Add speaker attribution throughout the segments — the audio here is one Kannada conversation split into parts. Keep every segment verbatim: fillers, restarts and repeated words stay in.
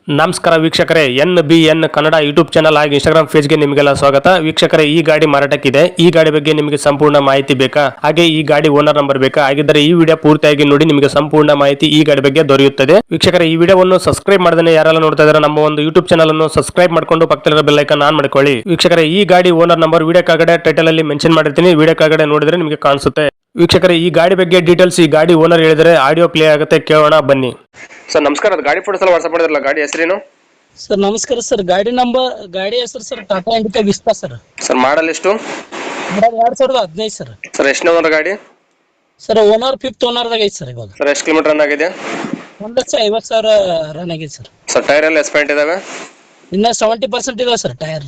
Speaker 1: ನಮಸ್ಕಾರ ವೀಕ್ಷಕರೇ, N B N Kannada YouTube channel ಹಾಗೂ ಇನ್ಸ್ಟಾಗ್ರಾಮ್ ಪೇಜ್ಗೆ ನಿಮಗೆಲ್ಲ ಸ್ವಾಗತ. ವೀಕ್ಷಕರೇ, ಈ ಗಾಡಿ ಮಾರಾಟಕ್ಕಿದೆ. ಈ ಗಾಡಿ ಬಗ್ಗೆ ನಿಮಗೆ ಸಂಪೂರ್ಣ ಮಾಹಿತಿ ಬೇಕಾ? ಹಾಗೆ ಈ ಗಾಡಿ ಓನರ್ ನಂಬರ್ ಬೇಕಾ? ಹಾಗಿದ್ದರೆ ಈ ವಿಡಿಯೋ ಪೂರ್ತಿಯಾಗಿ ನೋಡಿ, ನಿಮಗೆ ಸಂಪೂರ್ಣ ಮಾಹಿತಿ ಈ ಗಾಡಿ ಬಗ್ಗೆ ದೊರೆಯುತ್ತದೆ. ವೀಕ್ಷಕರೇ, ಈ ವಿಡಿಯೋವನ್ನು ಸಬ್ಸ್ಕ್ರೈಬ್ ಮಾಡದೇ ಯಾರೆಲ್ಲ ನೋಡ್ತಾ ಇದ್ದಾರೆ ನಮ್ಮ ಒಂದು ಯೂಟ್ಯೂಬ್ ಚಾನಲ್ ಅನ್ನು ಸಬ್ಸ್ಕ್ರೈಬ್ ಮಾಡ್ಕೊಂಡು ಪಕ್ಕದಲ್ಲಿರೋ ಬೆಲ್ ಐಕಾನ್ ಆನ್ ಮಾಡ್ಕೊಳ್ಳಿ. ವೀಕ್ಷಕರೇ, ಈ ಗಾಡಿ ಓನರ್ ನಂಬರ್ ವಿಡಿಯೋ ಕೆಳಗಡೆ ಟೈಟಲ್ ಅಲ್ಲಿ ಮೆನ್ಷನ್ ಮಾಡಿರ್ತೀನಿ, ವಿಡಿಯೋ ಕೆಳಗಡೆ ನೋಡಿದ್ರೆ ನಿಮಗೆ ಕಾಣಿಸುತ್ತೆ. ವೀಕ್ಷಕರೇ, ಈ ಗಾಡಿ ಬಗ್ಗೆ ಡೀಟೇಲ್ಸ್ ಈ ಗಾಡಿ ಓನರ್ ಹೇಳಿದರೆ ಆಡಿಯೋ ಪ್ಲೇ ಆಗುತ್ತೆ, ಕೇಳೋಣ ಬನ್ನಿ. ಸರ್ ನಮಸ್ಕಾರ, ಅದು ಗಾಡಿ ಫೋಟೋಸ್ ಎಲ್ಲ ವಾಟ್ಸ್ಆಪ್ ಮಾಡಿದ್ರಲ್ಲ, ಗಾಡಿ ಹೆಸರೇನು?
Speaker 2: ಸರ್ ನಮಸ್ಕಾರ ಸರ್. ಗಾಡಿ ನಂಬರ್ ಗಾಡಿ ಹೆಸರು sir Tata Indica Vista sir.
Speaker 1: Sir model ಎಷ್ಟು?
Speaker 2: ಎರಡ್ ಸಾವಿರದ ಹದಿನೈದು ಸರ್.
Speaker 1: ಸರ್ ಎಷ್ಟನೇ ಓನರ್ ಗಾಡಿ?
Speaker 2: ಸರ್ ಓನರ್ ಫಿಫ್ತ್ ಓನರ್ದಾಗ ಐತಿ ಸರ್. ಇವಾಗ
Speaker 1: ಸರ್ ಎಷ್ಟು ಕಿಲೋಮೀಟರ್ ರನ್ ಆಗಿದೆ?
Speaker 2: ಒಂದ್ ಲಕ್ಷ ಐವತ್ತು ಸಾವಿರ ರನ್ ಆಗಿದೆ ಸರ್.
Speaker 1: ಸರ್ ಟೈರ್ ಎಲ್ಲ ಎಸ್ಪೆಂಟ್ ಇದಾವೆ?
Speaker 2: ಇನ್ನ ಸೆವೆಂಟಿ ಪರ್ಸೆಂಟ್ ಇದಾವೆ ಸರ್ ಟೈರ್.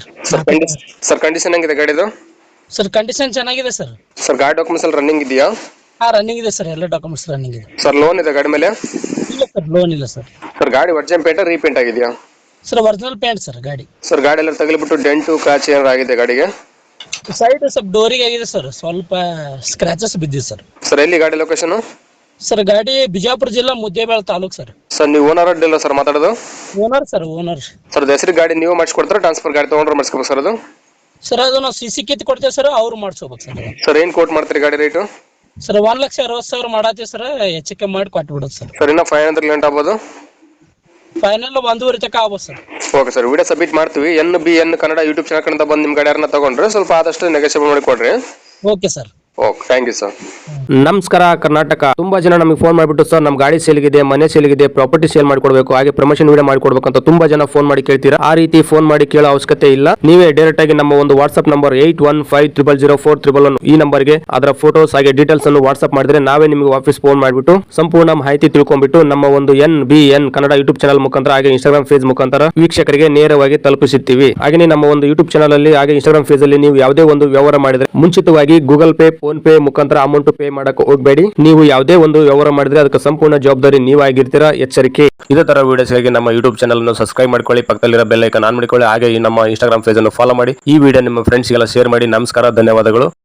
Speaker 1: ಸರ್ ಕಂಡೀಷನ್ ಹೆಂಗಿದೆ ಗಾಡಿದು?
Speaker 2: ಸರ್ ಕಂಡೀಷನ್ ಚೆನ್ನಾಗಿದೆ ಸರ್.
Speaker 1: ಸರ್ ಗಾಡಿ ಡಾಕ್ಯುಮೆಂಟ್ಸ್ ಎಲ್ಲ ರನ್ನಿಂಗ್ ಇದೆಯಾ?
Speaker 2: ಹಾ ರನ್ನಿಂಗ್ ಇದೆ ಸರ್, ಎಲ್ಲ ಡಾಕ್ಯುಮೆಂಟ್ಸ್ ರನ್ನಿಂಗ್ ಇದೆ.
Speaker 1: ಸರ್ ಲೋನ್ ಇದೆ ಗಾಡಿ ಮೇಲೆ?
Speaker 2: ಇಲ್ಲ ಸರ್, ಲೋನ್ ಇಲ್ಲ ಸರ್.
Speaker 1: ಸರ್ ಗಾಡಿ ಒರಿಜಿನಲ್ ಪೇಂಟ್ ರೀಪೇಂಟ್ ಆಗಿದೆಯಾ?
Speaker 2: ಸರ್ ಒರಿಜಿನಲ್ ಪೇಂಟ್ ಸರ್ ಗಾಡಿ.
Speaker 1: ಸರ್ ಗಾಡಿ ಎಲ್ಲ ತಗಲಿಬಿಟ್ಟು ಡೆಂಟು ಕ್ರಾಚ್ ಏನಾರು ಆಗಿದೆ ಗಾಡಿಗೆ?
Speaker 2: ಸೈಡ್ ಸ್ವಲ್ಪ ಡೋರಿಗೆ ಆಗಿದೆ ಸರ್, ಸ್ವಲ್ಪ ಸ್ಕ್ರಾಚಸ್ ಬಿದ್ದಿದೆ ಸರ್.
Speaker 1: ಸರ್ ಎಲ್ಲಿ ಗಾಡಿ ಲೊಕೇಶನ್?
Speaker 2: ಸರ್ ಗಾಡಿ ಬಿಜಾಪುರ ಜಿಲ್ಲಾ ಮುದ್ದೇಬೇಳ ತಾಲೂಕ್ ಸರ್.
Speaker 1: ಸರ್ ನೀವು ಓನರ್ ಅಡ್ಡಿಲ್ಲ ಸರ್ ಮಾತಾಡೋದು?
Speaker 2: Owner sir, owner.
Speaker 1: ಸರ್ ಹೆಸರು ಗಾಡಿ ನೀವು ಮಾಡಿಸ್ಕೊಡ್ತಾರೆ, ಟ್ರಾನ್ಸ್ಫರ್ ಗಾಡಿ ತೊಗೊಂಡ್ರೆ ಮಾಡಿಸ್ಕೋಬೇಕು ಸರ್ ಅದು?
Speaker 2: ಸರ್ ಅದು ನಾವು ಸಿ ಸಿ ಕಿತ್ ಕೊಡ್ತೇವೆ ಸರ್, ಅವ್ರು ಮಾಡ್ಸ್ಕೋಬೇಕು ಸರ್.
Speaker 1: ಸರ್ ಏನು ಕೋಟ್ ಮಾಡ್ತೀರಿ ಗಾಡಿ ರೇಟು?
Speaker 2: ಸರ್ ಒಂದ್ ಲಕ್ಷ ಅರವತ್ತು ಸಾವಿರ ಮಾಡತ್ತೀವಿ ಸರ್, ಹೆಚ್ಚಿಗೆ ಮಾಡಿ ಕೊಟ್ಬಿಡೋದು ಸರ್.
Speaker 1: ಸರ್ ಇನ್ನ ಫೈವ್ ಹಂಡ್ರೆಡ್ ಲೆಂಟ್ ಆಗ್ಬೋದು?
Speaker 2: ಫೈನಲ್ ಒಂದೂವರೆ ತನಕ ಆಗ್ಬೋದು sir.
Speaker 1: Okay sir, video submit ಮಾಡ್ತೀವಿ. N B N Kannada YouTube channel ಕಡೆಯಿಂದ ಬಂದು ನಿಮ್ಮ ಗಾಡಿ ಯಾರನ್ನ ತಗೊಂಡ್ರೆ ಸ್ವಲ್ಪ ಆದಷ್ಟು ನೆಗೋಷಿಯೇಟ್ ಮಾಡಿ ಕೊಡ್ರಿ.
Speaker 2: Okay sir.
Speaker 1: Okay, thank you sir.
Speaker 3: ನಮಸ್ಕಾರ ಕರ್ನಾಟಕ. ತುಂಬಾ ಜನ ನಮಗೆ ಫೋನ್ ಮಾಡಿಬಿಟ್ಟು ಸರ್ ನಮ್ಮ ಗಾಡಿ ಸೇಲ್ಗಿದೆ, ಮನೆ ಸೇಲ್ಗಿದೆ, ಪ್ರಾಪರ್ಟಿ ಸೇಲ್ ಮಾಡ್ಕೊಡ್ಬೇಕು, ಹಾಗೆ ಪ್ರಮೋಷನ್ ವಿಡಿಯೋ ಮಾಡ್ಕೊಡ್ಬೇಕು ಅಂತ ತುಂಬಾ ಜನ ಫೋನ್ ಮಾಡಿ ಕೇಳ್ತೀರಾ. ಆ ರೀತಿ ಫೋನ್ ಮಾಡಿ ಕೇಳೋ ಅವಶ್ಯಕತೆ ಇಲ್ಲ. ನೀವೇ ಡೈರೆಕ್ಟ್ ಆಗಿ ನಮ್ಮ ಒಂದು WhatsApp number eight one five triple zero four triple one ಈ ನಂಬರ್ಗೆ ಅದರ ಫೋಟೋಸ್ ಹಾಗೆ ಡೀಟೇಲ್ಸ್ ಅನ್ನು ವಾಟ್ಸ್ಆಪ್ ಮಾಡಿದ್ರೆ ನಾವೇ ನಿಮಗೆ ವಾಪಸ್ ಫೋನ್ ಮಾಡಿಬಿಟ್ಟು ಸಂಪೂರ್ಣ ಮಾಹಿತಿ ತಿಳ್ಕೊಂಡ್ಬಿಟ್ಟು ನಮ್ಮ ಒಂದು N B N Kannada YouTube channel ಮುಖಾಂತರ ಹಾಗೆ ಇನ್ಸ್ಟಾಗ್ರಾಮ್ ಪೇಜ್ ಮುಖಾಂತರ ವೀಕ್ಷಕರಿಗೆ ನೇರವಾಗಿ ತಲುಪಿಸುತ್ತೀವಿ. ಹಾಗೆ ನಮ್ಮ ಒಂದು ಯೂಟ್ಯೂಬ್ ಚಾನಲ್ ಅಲ್ಲಿ ಹಾಗೆ ಇನ್ಸ್ಟಾಗ್ರಾಮ್ ಪೇಜ್ ಅಲ್ಲಿ ನೀವು ಯಾವುದೇ ಒಂದು ವ್ಯವಹಾರ ಮಾಡಿದ್ರೆ ಮುಂಚಿತವಾಗಿ ಗೂಗಲ್ ಪೇ, ಫೋನ್ ಪೇ ಮುಖಾಂತರ ಅಮೌಂಟ್ ಪೇ ಮಾಡಕ್ಕೆ ಹೋಗಬೇಡಿ. ನೀವು ಯಾವುದೇ ಒಂದು ವ್ಯವಹಾರ ಮಾಡಿದ್ರೆ ಅದಕ್ಕೆ ಸಂಪೂರ್ಣ ಜವಾಬ್ದಾರಿ ನೀವಾಗಿರ್ತೀರಾ, ಎಚ್ಚರಿಕೆ. ಇದೇ ತರ ವಿಡಿಯೋಸ್ಗಾಗಿ ನಮ್ಮ ಯೂಟ್ಯೂಬ್ ಚಾನಲ್ ಅನ್ನು ಸಬ್ಸ್ಕ್ರೈಬ್ ಮಾಡ್ಕೊಳ್ಳಿ, ಪಕ್ಕದಲ್ಲಿರೋ ಬೆಲ್ ಐಕಾನ್ ಆನ್ ಮಾಡಿಕೊಳ್ಳಿ, ಹಾಗೆ ಈ ನಮ್ಮ ಇನ್ಸ್ಟಾಗ್ರಾಮ್ ಪೇಜ್ ಅನ್ನು ಫಾಲೋ ಮಾಡಿ. ಈ ವಿಡಿಯೋ ನಿಮ್ಮ ಫ್ರೆಂಡ್ಸ್ಗೆಲ್ಲ ಶೇರ್ ಮಾಡಿ. ನಮಸ್ಕಾರ, ಧನ್ಯವಾದಗಳು.